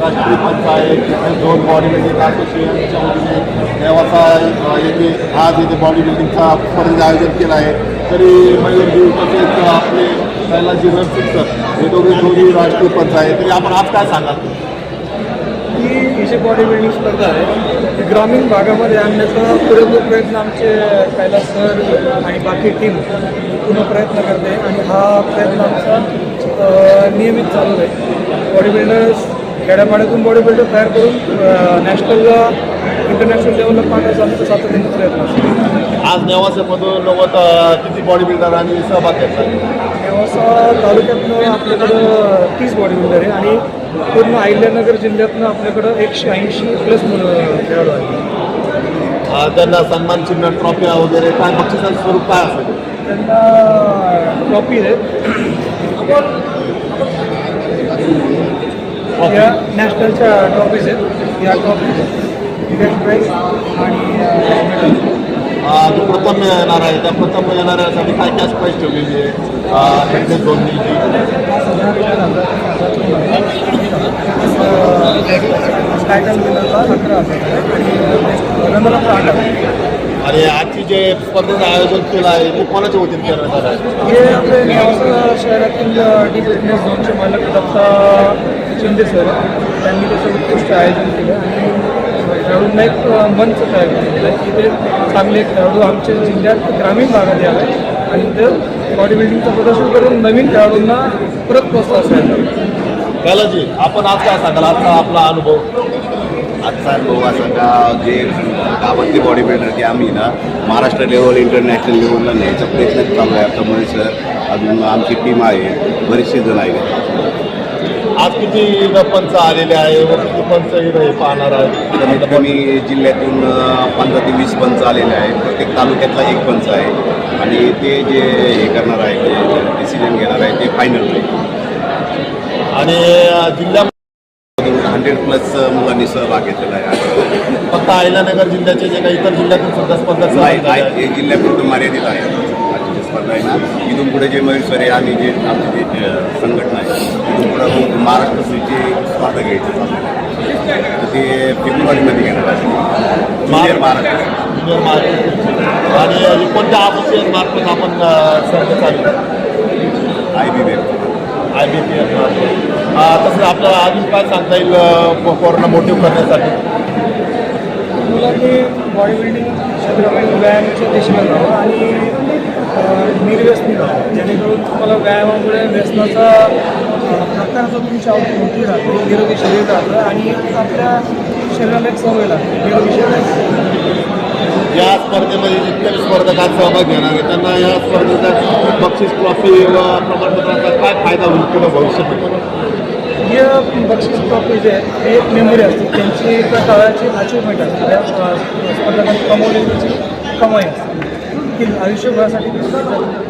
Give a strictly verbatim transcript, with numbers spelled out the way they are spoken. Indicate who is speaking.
Speaker 1: राष्ट्रीय पंचायत तिथे दोन बॉडी बिल्डिंग असोसिएशनच्या वतीने नेवासा येथे आज येथे बॉडी बिल्डिंगचा स्पर्धेचं आयोजन केलं आहे. तरी मयूरजी तसेच आपले कैलासजी रणसिंग सर हे दोघे दोन्ही राष्ट्रीय पंच आहे. तरी आपण आज काय सांगाल?
Speaker 2: ही जी बॉडी बिल्डिंग स्पर्धा आहे ती ग्रामीण भागामध्ये आणण्याचा पुरेपूर प्रयत्न आमचे कैलास सर आणि बाकी टीम पूर्ण प्रयत्न करते आणि हा प्रयत्न आमचा नियमित चालू आहे. बॉडी बिल्डर्स खेड्यापाड्यातून बॉडी बिल्डर तयार करून नॅशनलला इंटरनॅशनल लेवलला पाहण्याचा आमचा सातत्याने प्रयत्न असतो.
Speaker 1: आज नेवासामधून नव्वद किती बॉडी बिल्डरांनी सहभाग घेतला?
Speaker 2: नेवासा तालुक्यातनं आपल्याकडं तीस बॉडी बिल्डर आहे आणि पूर्ण अहिल्यानगर जिल्ह्यातनं आपल्याकडं एकशे ऐंशी प्लस मुलं खेळाडू आहेत.
Speaker 1: त्यांना सन्मान चिन्ह ट्रॉफी वगैरे काय बक्षिसाचं स्वरूप काय असेल?
Speaker 2: त्यांना ट्रॉफी आहे या नॅशनलच्या ट्रॉफीज आहेत. या ट्रॉफी फर्स्ट प्राईज आणि
Speaker 1: जो प्रथम येणार आहे त्या प्रथम येणाऱ्यासाठी काय कॅश प्राईज ठेवलेली आहे? दोन्ही
Speaker 2: टायटल विनरला अकरा हजार आणि रनरला आठ हजार.
Speaker 1: आणि आजची जे स्पर्धेचं आयोजन केलं आहे ते कोणाच्या वतीने करण्यात आलं आहे?
Speaker 2: हे आपले नेवासा शहरातील डी फिटनेस झोनचे मालक दत्ता शिंदे सर त्यांनी त्याचं उत्कृष्ट आयोजन केलं आणि खेळाडूंना एक मंच तयार केलेलं आहे की ते चांगले खेळाडू आमच्या जिल्ह्यात ग्रामीण भागात यावे आणि ते बॉडी बिल्डिंगचं प्रदर्शन करून नवीन खेळाडूंना परत प्रोत्साहन द्यावं.
Speaker 1: कैलासजी, आपण आज काय सांगाल आजचा आपला अनुभव?
Speaker 3: आजचा अनुभव असा का जे गावातले बॉडी बिल्डर की आम्ही ना महाराष्ट्र लेवल इंटरनॅशनल लेवलला न्यायचा प्रयत्न चालू आहे. आता महेश सर अजून आमची टीम आहे, बरेचसे जण आहेत.
Speaker 1: आज किती पंच आलेले आहे व किती पंच हे पाहणार आहे?
Speaker 3: कमीत कमी जिल्ह्यातून पंधरा ते वीस पंच आलेले आहेत. प्रत्येक तालुक्यातला एक पंच आहे आणि ते जे हे करणार आहे जे डिसिजन घेणार आहे ते फायनल आहे.
Speaker 1: आणि जिल्ह्यामध्ये
Speaker 3: हंड्रेड प्लस मुलांनी सहभाग घेतलेला आहे.
Speaker 1: फक्त अहिल्यानगर जिल्ह्याचे जे काही इतर जिल्ह्यातून सुद्धा स्पर्धा
Speaker 3: नाही, हे जिल्ह्यापुरतं मर्यादित आहे. आजची स्पर्धा आहे ना, इथून पुढे जे मयूर आहे आणि जे आमची जे संघटना आहे इथून पुढे महाराष्ट्र स्त्रीची स्पर्धा घ्यायची चालू आहे. तर ते फेब्रुवारीमध्ये घेणार आहे ज्युनियर महाराष्ट्र
Speaker 1: ज्युनियर महाराष्ट्र. आणि कोणत्या असोसिएशन मार्फत आपण स्पर्धा चालू
Speaker 3: I B B
Speaker 1: I B P F मार्फत. तसं आपल्याला अजून काय सांगता येईल कोरोना मोटिव्ह करण्यासाठी?
Speaker 2: मुलांनी बॉडी बिल्डिंग क्षेत्रामध्ये व्यायामाच्या दिशेला जावं आणि निर्व्यसनी राहावं जेणेकरून तुम्हाला व्यायामामुळे व्यसनाचा प्रकारचा तुमची आवड मोठी राहते, निरोगी शरीर राहतं आणि आपल्या शरीराला एक सवय लागते निरोगी शरीर.
Speaker 1: या स्पर्धेमध्ये जितके स्पर्धकात सहभाग घेणार आहे त्यांना या स्पर्धेचा बक्षीस ट्रॉफी व प्रमाणपत्राचा काय फायदा होईल किंवा भविष्यामध्ये?
Speaker 2: हे बक्षीस ट्रॉफी जे आहे हे एक मेमरी असते, त्यांची एका काळाची अचिव्हमेंट असते, त्या स्पर्धकांनी कमवलेली कमाई असते ती आयुष्यभरासाठी